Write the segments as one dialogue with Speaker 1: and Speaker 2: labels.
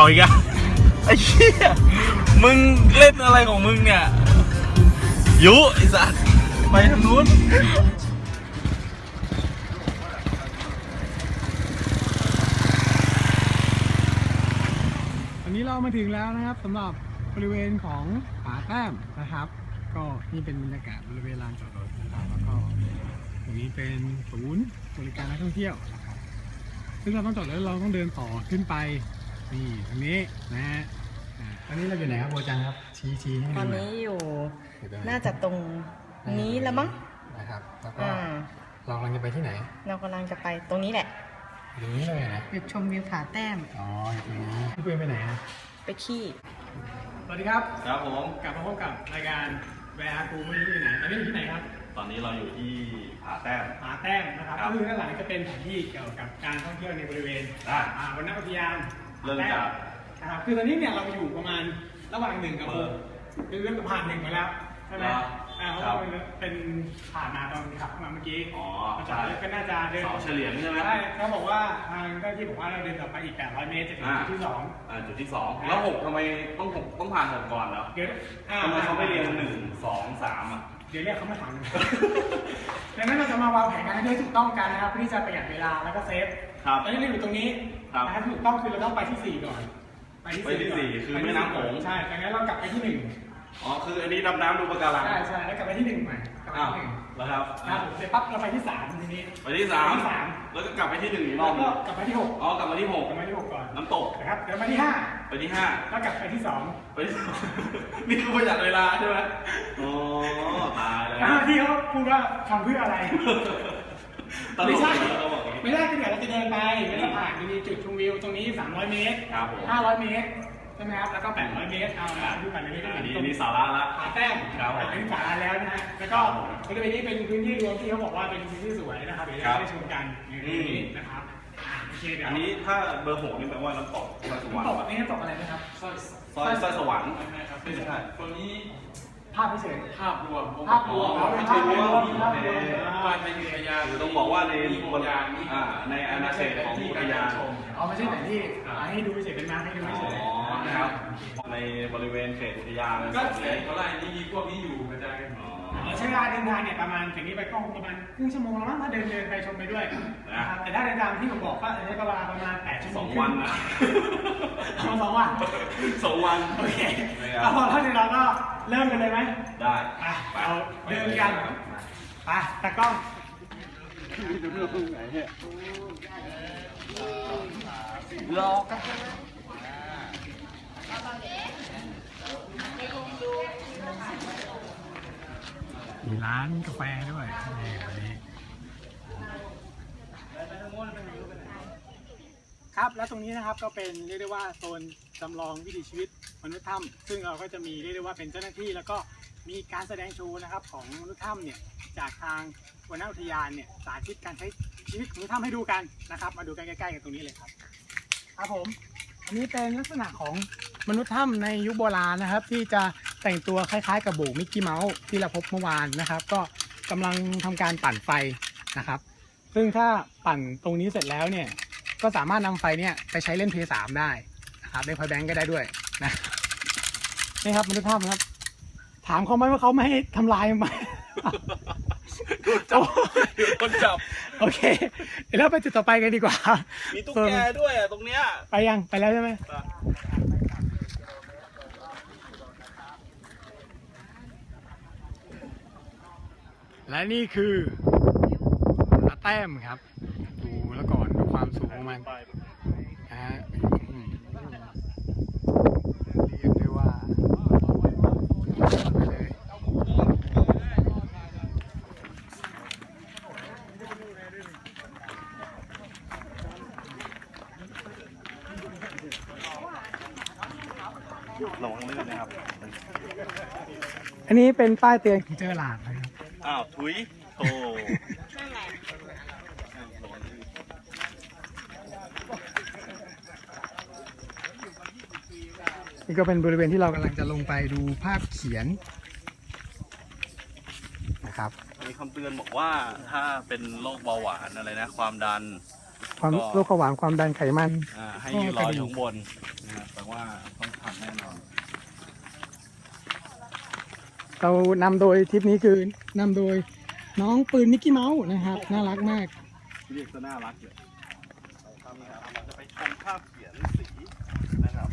Speaker 1: าอีกอะไอ้เหี้ยมึงเล่นอะไรของมึงเนี่ยยุไอ้สัสไปทางนู้น
Speaker 2: วันนี้เรามาถึงแล้วนะครับสำหรับบริเวณของผาแต้มนะครับก็นี่เป็นบรรยากาศบริเวณลานจอดรถนะครับแล้วก็ตรงนี้เป็นศูนย์บริการนักท่องเที่ยวนะครับซึ่งเราต้องจอดรถเราต้องเดินต่อขึ้นไปนี่ตรงนี้นะฮะตอนนี้เราอยู่ไหนครับโบจังครับชี้ให้
Speaker 3: ต
Speaker 2: ดู
Speaker 3: อน
Speaker 2: หน่อย
Speaker 3: นี้อยู่น่าจะตรงนี้แล้วมั้ง
Speaker 2: นะครับแล้วก็
Speaker 3: อ่า
Speaker 2: เรากำลังจะไปที่ไหน
Speaker 3: เรากำลังจะไปตรงนี้แหละ
Speaker 2: ตรงนี้เลยนะ
Speaker 3: จุดชมวิวผาแต้ม
Speaker 2: อ๋ออยู่ตรงนี้พี่เพื่อนไปไหนฮะ
Speaker 3: ไปขี้
Speaker 2: สวัสดีครับ
Speaker 1: ครับผม
Speaker 2: กลับมาพบกับรายการแวร์กูไม่รู้อยู่ไหนตอนนี้อยู่ที่ไหนครับ
Speaker 1: ตอนนี้เราอยู่ที่ผาแต้ม
Speaker 2: ผาแต้มนะครับ
Speaker 1: ครับ
Speaker 2: ก็คือด้านหลังจะเป็นแผนที่เกี่ยวกับการท่องเที่ยวในบริเวณ
Speaker 1: อ่ะ
Speaker 2: วนอุทยาน
Speaker 1: เริ่มจาก
Speaker 2: นะครับคือตอนนี้เนี่ยเราอยู่ประมาณระหว่าง1 กับ 6คือเริ่มผ่าน1มาแล้วใช่ไหมเพราะว่ามันเป็นผ่านมาตอนขับเข้ามาเมื่อกี้
Speaker 1: อ๋อ
Speaker 2: จอดก็น่าจะเดิน
Speaker 1: เสาเฉลี่ยใช่ไหม
Speaker 2: ใช่เขาบอกว่าทางเจ้าหน้าที่บอกว่าเราเดินต่อไปอีก800 เมตรจะถึงจุดที่
Speaker 1: จุดที่ 2แล้ว6ทำไมต้องผ่าน6ก่อนแล้ว
Speaker 2: 2เดี๋ยว
Speaker 1: ทำไมเขาไม่เรียง1 2 3อ่ะ
Speaker 2: เดี๋ยวเรียกเขามาถามดังนั้นเราจะมาวางแผนการให้ถูกต้องกันนะครับเพื่อที่จะประหยัดเวลาแล้วก็เซฟ
Speaker 1: ครับ
Speaker 2: ตอนนี้เราอยู่ตรงนี้
Speaker 1: ครับ
Speaker 2: นะครับถูกต้องคือเราต้องไปที่ 4 ก่อน
Speaker 1: ไปที่สี่คือแม่น้ำโขง
Speaker 2: ใช่ดังนั้นเรากลับไปที่
Speaker 1: อ๋อคืออันนี้ดำน้ำดูปะการัง
Speaker 2: 1ใช่แล้วกลับไปที่1ใหม่กลับไป
Speaker 1: อ้าว
Speaker 2: ที่
Speaker 1: แล้วครับ
Speaker 2: 1ครับเสร็จปั๊บเราไปที่3ทีนี้
Speaker 1: ไปที่
Speaker 2: ไปที่
Speaker 1: 3แล้วก็กลับไปที่1อีกร
Speaker 2: แล้
Speaker 1: อ
Speaker 2: ว
Speaker 1: บ
Speaker 2: ก็กลับไปที่6
Speaker 1: อ๋อกลับมาที่
Speaker 2: กลับมาที่6ก่อน
Speaker 1: 6น้ำตก
Speaker 2: นะครับเดี๋ยวมาที่
Speaker 1: ไปที่
Speaker 2: 5แล้วกลับไปที่2
Speaker 1: ไปที่ นี่คือประหยัดเวลาใช่ไหมอ๋อตายแล้ว
Speaker 2: ที่เขาพูดว่าทำเพื่ออะไร
Speaker 1: ตล
Speaker 2: ไม่
Speaker 1: ก
Speaker 2: ใช่
Speaker 1: เลยเขาบอกอย่างนี้
Speaker 2: ไม่ได้ก็เดี๋ยวเราจะเดินไปแล้วก็ผ่านมีจุดชมวิวตรงนี้300 เมตร
Speaker 1: ครับผม
Speaker 2: 500 เมตรใช่ไหมครับแล้วก็800 เมตรเอาละดูกันเลย
Speaker 1: อันนี้สาระละ
Speaker 2: ผาแต้ม
Speaker 1: ครับผม
Speaker 2: อันนี้สาระแล้วนะฮะแล้วก็บริเวณนี้เป็นพื้นที่รวมที่เขาบอกว่าเป็นพื้นที่สวยนะครับเดี๋ยวเราได้ชมกันอยู่ตรงนี้นะครับโอเคเดี๋ยว
Speaker 1: อันนี้ถ้าเบอร์6นี่แปลว่าน้ำตกสวรร
Speaker 2: ตก
Speaker 1: ค์
Speaker 2: แบบนี้ตกอะไรนะครับ
Speaker 1: ซอยสวรรค์
Speaker 2: ครับ
Speaker 1: ไม่ใช่
Speaker 4: ตัวนี้
Speaker 2: ภาพเฉย
Speaker 4: ภาพรวม
Speaker 2: ภาพรวม
Speaker 4: ไม่ใช่รวม
Speaker 2: ภาพรวม
Speaker 4: บ้านในอุทยาน
Speaker 1: คือต้องบอกว่าใน
Speaker 4: อุทยานนี้
Speaker 1: ในอาณาเขตของอุทยาน
Speaker 2: เอาไม่ใช่ไหนที่ให้ดูเฉยเป็นมาให้ดู
Speaker 1: อ๋
Speaker 2: เฉย
Speaker 1: อนะครับในบริเวณเขตอุทยาน
Speaker 4: ก็เขตเขาไล่นี่มีพวกนี้อยู่กระจายกัน
Speaker 2: ใช้เวลาเดินทางเนี่ยประมาณถึงนี้ไปก็ประมาณครึ่งชั่วโมงแล้วมั้งถ้าเดินไปชมไปด้วยนะครับแต่ถ้าเดินทางที่ผมบอกก็ใช้เวลาประมาณ8 ชั่วโมง
Speaker 1: 2 วันนะ
Speaker 2: เอา2 วัน
Speaker 1: 2 วัน
Speaker 2: โอเคแล้วพอเท่านี้เราก็เริ่มกันเลยไหม
Speaker 1: ได้
Speaker 2: ไปเราเดินกันไปตากล้องรอกันมีร้านกาแฟด้วยนี่วันนี้ครับแล้วตรงนี้นะครับก็เป็นเรียกได้ว่าโซนจำลองวิถีชีวิตมนุษย์ถ้ำซึ่งเราก็จะมีเรียกได้ว่าเป็นเจ้าหน้าที่แล้วก็มีการแสดงโชว์นะครับของมนุษย์ถ้ำเนี่ยจากทางวนอุทยานเนี่ยสาธิตการใช้ชีวิตของมนุษย์ถ้ำให้ดูกันนะครับมาดูกันใกล้ๆกันตรงนี้เลยครับครับผมอันนี้เป็นลักษณะของมนุษย์ถ้ำในยุคโบราณนะครับ ที่จะแต่งตัวคล้ายๆกับโบกมิกกี้เมาส์ที่เราพบเมื่อวานนะครับ ก็กำลังทำการปั่นไฟนะครับ ซึ่งถ้าปั่นตรงนี้เสร็จแล้วเนี่ยก็สามารถนำไฟเนี่ยไปใช้เล่นเพย์3ได้นะครับเล่นพอยแบงก์ก็ได้ด้วยนะนี่ครับมนุษย์ถ้ำครับถามเขาไหมว่าเขาไม่ให้ทำลายไหม
Speaker 1: คนจับ
Speaker 2: โอเคเดี๋ยวเราไปจุดต่อไปกันดีกว่า
Speaker 1: มีตุ๊กแกด้วยอ่ะตรงเนี้ย
Speaker 2: ไปยังไปแล้วใช่ไหมและนี่คือผาแต้มครับดูแล้วก่อนดูความสูงของมันนะฮะเรียกได้ว่าไปเลย
Speaker 1: ระวังลื่นนะครับ
Speaker 2: อันนี้เป็นป้ายเตือนของเจอหลาดนะครับ
Speaker 1: อ้าวถุยโธ่
Speaker 2: นี่ก็เป็นบริเวณที่เรากำลังจะลงไปดูภาพเขียนนะครับ
Speaker 1: มีคำเตือนบอกว่าถ้าเป็นโรคเบาหวานอะไรนะความดัน
Speaker 2: ความ
Speaker 1: ก็
Speaker 2: โรคเบาหวานความดันไขมัน
Speaker 1: ให้ยืนรออยู่ข้างบนนะครับแต่ว่าต้องทำแน่นอน
Speaker 2: เรานำโดยทริปนี้คือนำโดยน้องปืนมิกกี้เมาส์นะครับ น่ารักมาก
Speaker 1: เรียกซะน่ารักเลยครับเราจะไปชมภาพเขียนสีนะครับ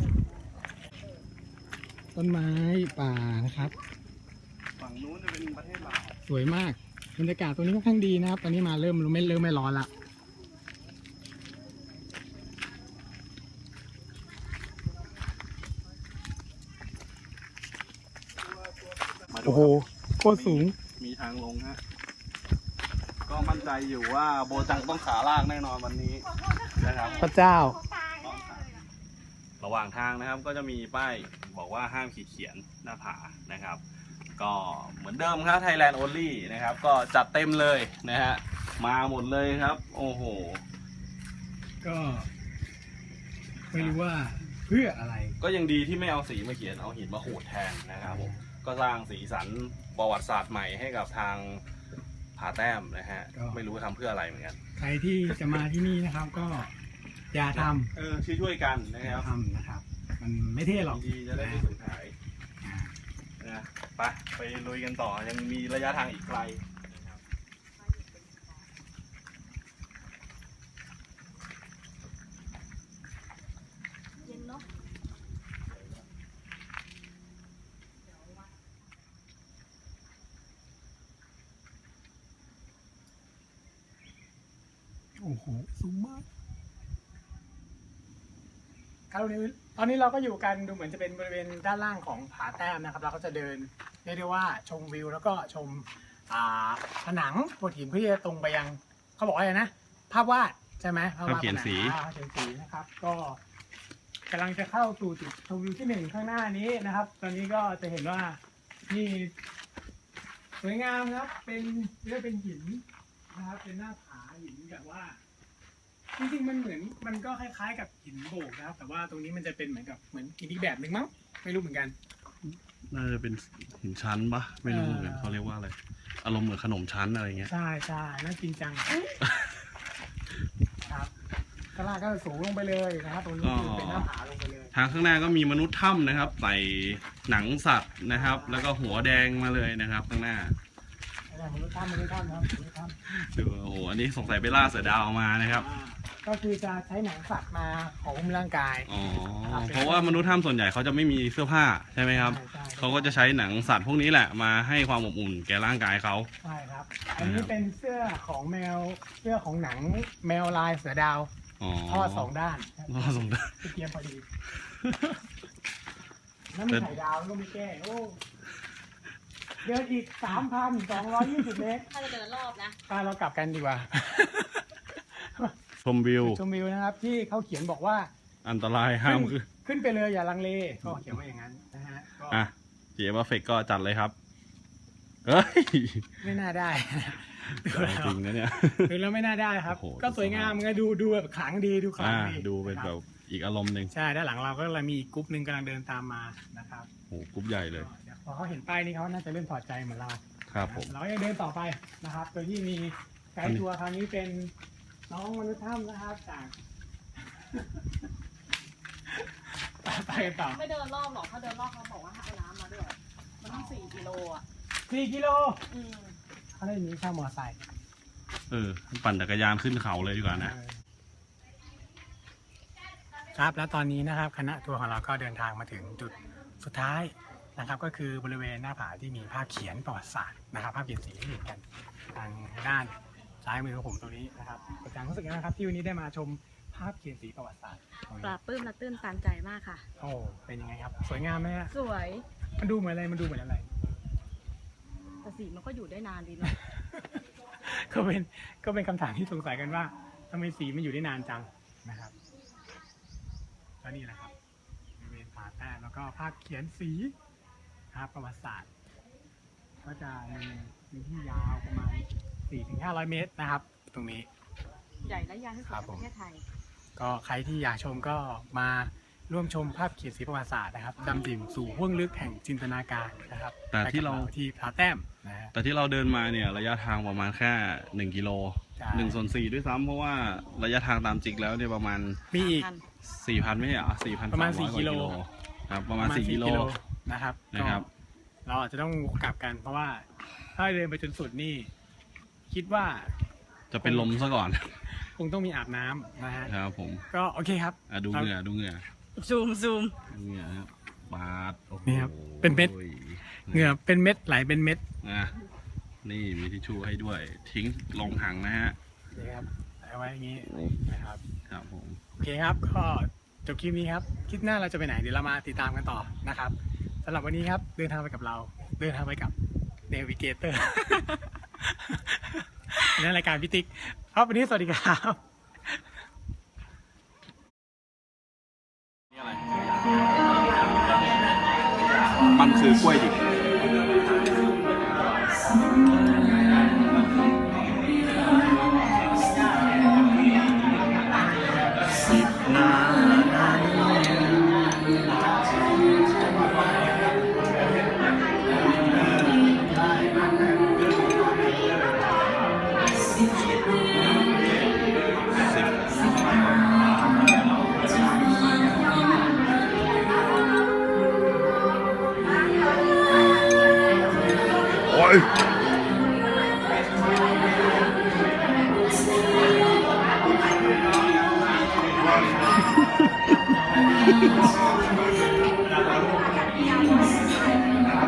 Speaker 2: ต้นไม้ป่านะครับ
Speaker 1: ฝั่งนู้นจะเป็นประเทศลาว
Speaker 2: สวยมากบรรยากาศตรงนี้ค่อนข้างดีนะครับ ตอนนี้มาเริ่มไม่ร้อนละโอ้โหโคตรสูง
Speaker 1: มีทางลงฮะก็มั่นใจอยู่ว่าโบจังต้องขาลากแน่นอนวันนี้นะครับ
Speaker 2: พระเจ้า
Speaker 1: ระหว่างทางนะครับก็จะมีป้ายบอกว่าห้ามขีดเขียนหน้าผานะครับ ก็เหมือนเดิมครับ Thailand Only นะครับ ก็จัดเต็มเลยนะฮะมาหมดเลยครับ โอ้โห
Speaker 2: ก็ไม่รู้ว่าเพื่ออะไร
Speaker 1: ก็ยังดีที่ไม่เอาสีมาเขียนเอาหินมาขูดแทนนะครับผมก็สร้างสีสันประวัติศาสตร์ใหม่ให้กับทางผาแต้มนะฮะ
Speaker 2: ก็
Speaker 1: ไม่รู้ทำเพื่ออะไรเหมือนกัน
Speaker 2: ใครที่จะมาที่นี่นะครับ ก็อย่าท
Speaker 1: ช่วยๆกันนะ
Speaker 2: ำ
Speaker 1: ค
Speaker 2: อย่า
Speaker 1: รับ
Speaker 2: ทำนะครับ มันไม่เท่หรอก
Speaker 1: ดีจะได้ไม่สูญหายนะไปลุยกันต่อยังมีระยะทางอีกไกลนะครับ
Speaker 2: โอ้โหสูงมากครับตอนนี้เราก็อยู่กันดูเหมือนจะเป็นบริเวณด้านล่างของผาแต้มนะครับเราก็จะเดินเรียกได้ว่าชมวิวแล้วก็ชมผนังโขดหินเพื่อที่จะตรงไปยังเขาบอกว่าอะไรนะภาพวาดใช่ไหมภาพวาด
Speaker 1: ภาพเขียนสี
Speaker 2: ภาพเขียนสีนะครับ ก็กำลังจะเข้าสู่จุดชมวิวที่ 1ข้างหน้านี้นะครับ ตอนนี้ก็จะเห็นว่านี่สวยงามครับเป็นเรียกเป็นหินนะครับเป็นหน้าผาหินแบบว่า จริงๆมันก็คล้ายๆกับหินโบกนะครับ แต่ว่าตรงนี้มันจะเป็นเหมือนหินอีกแบบหนึ่งมั้งไม่รู้เหมือนกัน
Speaker 1: น่าจะเป็นหินชั้นปะไม่รู้เหมือนกันเขาเรียกว่าอะไรอารมณ์เหมือนขนมชั้นอะไรเงี้ย
Speaker 2: ใช่ใช่น่ากินจังครับข้างล่างก็สูงลงไปเลยนะครับตรงนี้คือเป็นหน้าผาลงไปเลย
Speaker 1: ทางข้างหน้าก็มีมนุษย์ถ้ำนะครับใส่หนังสัตว์นะครับ แล้วก็หัวแดงมาเลยนะครับข้างหน้า
Speaker 2: มนุษย์ถ้ำครับมนุษย์ถ้ำ
Speaker 1: ดูโอ้โหอันนี้สงสัยไปล่าเสือดาวมานะครับ
Speaker 2: ก็คือจะใช้หนังสัตว์มาของหุ้มร่างกาย
Speaker 1: อ๋อเพราะว่ามนุษย์ถ้ำส่วนใหญ่เขาจะไม่มีเสื้อผ้าใช่ไหมครับ
Speaker 2: ใช่
Speaker 1: เขาก็จะใช้หนังสัตว์พวกนี้แหละมาให้ความอบอุ่นแก่ร่างกายเขา
Speaker 2: ใช่ครับ อันนี้เป็นเสื้อของเสื้อของหนังแมวลายเสือดาว
Speaker 1: อ๋อ
Speaker 2: ทอดสองด้าน
Speaker 1: ทอดสองด้าน
Speaker 2: เตรียมพอดีน้ำมีไข่ดาวก็ไม่แก้โอ้เดินอีก 3,220 เมตร
Speaker 3: ถ้าจะเดินรอบนะ
Speaker 2: เรากลับกันดีกว่า
Speaker 1: ชมวิว
Speaker 2: ชมวิวนะครับ ที่เขาเขียนบอกว่า
Speaker 1: อันตรายห้ามคือ
Speaker 2: ขึ้นไปเลยอย่าลังเล ก็เขียนว่าอย่างนั้นนะฮะก็
Speaker 1: อ่ะเจียบเฟกก็จัดเลยครับเฮ้ย
Speaker 2: ไม่น่าได้
Speaker 1: จริงนะเนี่ย
Speaker 2: ดูแล้วไม่น่าได้ครับ
Speaker 1: โอ้โห
Speaker 2: ก็สวยงามไงดูแบบขลังดีดูขลังดี
Speaker 1: ดูเป็นแบบอีกอารมณ์หนึ่ง
Speaker 2: ใช่ด้านหลังเราก็เลยมีอีกกรุ๊ปหนึ่งกำลังเดินตามมานะครับ
Speaker 1: โอ้โหกรุ๊ปใหญ่เลย
Speaker 2: พอเขาเห็นป้ายนี้เขาน่าจะเริ่มถอดใจเหมือนเรา
Speaker 1: ครับผม
Speaker 2: เรายังเดินต่อไปนะครับ โดยที่มีไกด์ทัวร์คราวนี้เป็นน้องมนุษย์ถ้ำนะครับจาก ไปกันต่อ
Speaker 3: ไม่เดินรอบหรอก ถ้าเดินรอบเขาบอกว่าให้เอาน้ำมาด้วย มันต้อง4 กิโลอ่ะ
Speaker 2: 4 กิโล
Speaker 3: อืม
Speaker 2: เขาได้มีช่างมอเตอร์ไซค์
Speaker 1: ปั่นจักรยานขึ้นเขาเลยดีกว่านะ
Speaker 2: ครับแล้วตอนนี้นะครับคณะทัวร์ของเราก็เดินทางมาถึงจุดสุดท้ายนะครับ ก็คือบริเวณหน้าผาที่มีภาพเขียนประวัติศาสตร์นะครับ ภาพเขียนสีที่เห็นกันทางด้านซ้ายมือของผมตรงนี้นะครับอาจารย์รู้สึกยังไงครับที่วันนี้ได้มาชมภาพเขียนสีประวัติศาสตร์ตรง
Speaker 3: ป
Speaker 2: นี้
Speaker 3: ลาบปลื้มและตื้นตันใจมากค่ะ
Speaker 2: โอ้เป็นยังไงครับ สวยงามไหมฮะ
Speaker 3: สวย
Speaker 2: มันดูเหมือนอะไรมันดูเหมือนอะไร
Speaker 3: แต่สีมันก็อยู่ได้นานดีเนาะ
Speaker 2: ก็เป็นคำถามที่สงสัยกันว่าทำไมสีมันอยู่ได้นานจังนะครับก็นี่แหละครับบริเวณผาแต้มแล้วก็ภาพเขียนสีนะครับประวัติศาสตร์ ก็จะมีที่ยาวประมาณ 400-500 เมตรนะครับ ตรงนี้
Speaker 3: ใหญ่และยาวที่สุด
Speaker 2: ครับ
Speaker 3: ใน
Speaker 2: ผม
Speaker 3: ประเทศไทย
Speaker 2: ก็ใครที่อยากชมก็มาร่วมชมภาพเขียนสีประวัติศาสตร์นะครับดำดิ่งสู่ห้วงลึกแห่งจินตนาการนะครับ
Speaker 1: แต่ที่เรา
Speaker 2: ไปกับที่ผาแต้มนะฮะ
Speaker 1: แต่ที่เราเดินมาเนี่ยระยะทางประมาณแค่1 กิโล
Speaker 2: ใช่
Speaker 1: 1/4ด้วยซ้ำเพราะว่าระยะทางตามจริงแล้วเนี่ยประมาณ
Speaker 2: มีอีก
Speaker 1: 4,000ไม่ใช่เหรอ4,300
Speaker 2: ประมาณ
Speaker 1: กว่า
Speaker 2: 4 กิโล
Speaker 1: ครับประมาณ4 กิโล
Speaker 2: นะครับ
Speaker 1: นะครับ
Speaker 2: ก็เราอาจจะต้องกลับกันเพราะว่าถ้าเดินไปจนสุดนี่ คิดว่า
Speaker 1: จะเป็นลมซะก่อน
Speaker 2: คงต้องมีอาบน้ำนะฮะ
Speaker 1: ครับผม
Speaker 2: ก็โอเคครับ
Speaker 1: ดูเหงื่อดูเหงื่อ
Speaker 3: ซูม
Speaker 1: ดูเหงื่อครับบาดโอ้โห
Speaker 2: นี่ครับเป็นเม็ด เหงื่อเป็นเม็ดไหลเป็นเม็ด
Speaker 1: นะนี่มีทิชชู่ให้ด้วย ทิ้งลงถังนะฮะ
Speaker 2: นี่ครับเอาไว้อย่างนี้นะครับ
Speaker 1: ครับผม
Speaker 2: โอเคครับก็จบคลิปนี้ครับคลิปหน้าเราจะไปไหนเดี๋ยวเรามาติดตามกันต่อนะครับสำหรับวันนี้ครับเดินทางไปกับเรา เดินทางไปกับเนวิเกเตอร์ ในรายการพิติกครับวันนี้สวัสดีครับ
Speaker 1: นี่อะไรมันคือกล้วยดิบโอ้ย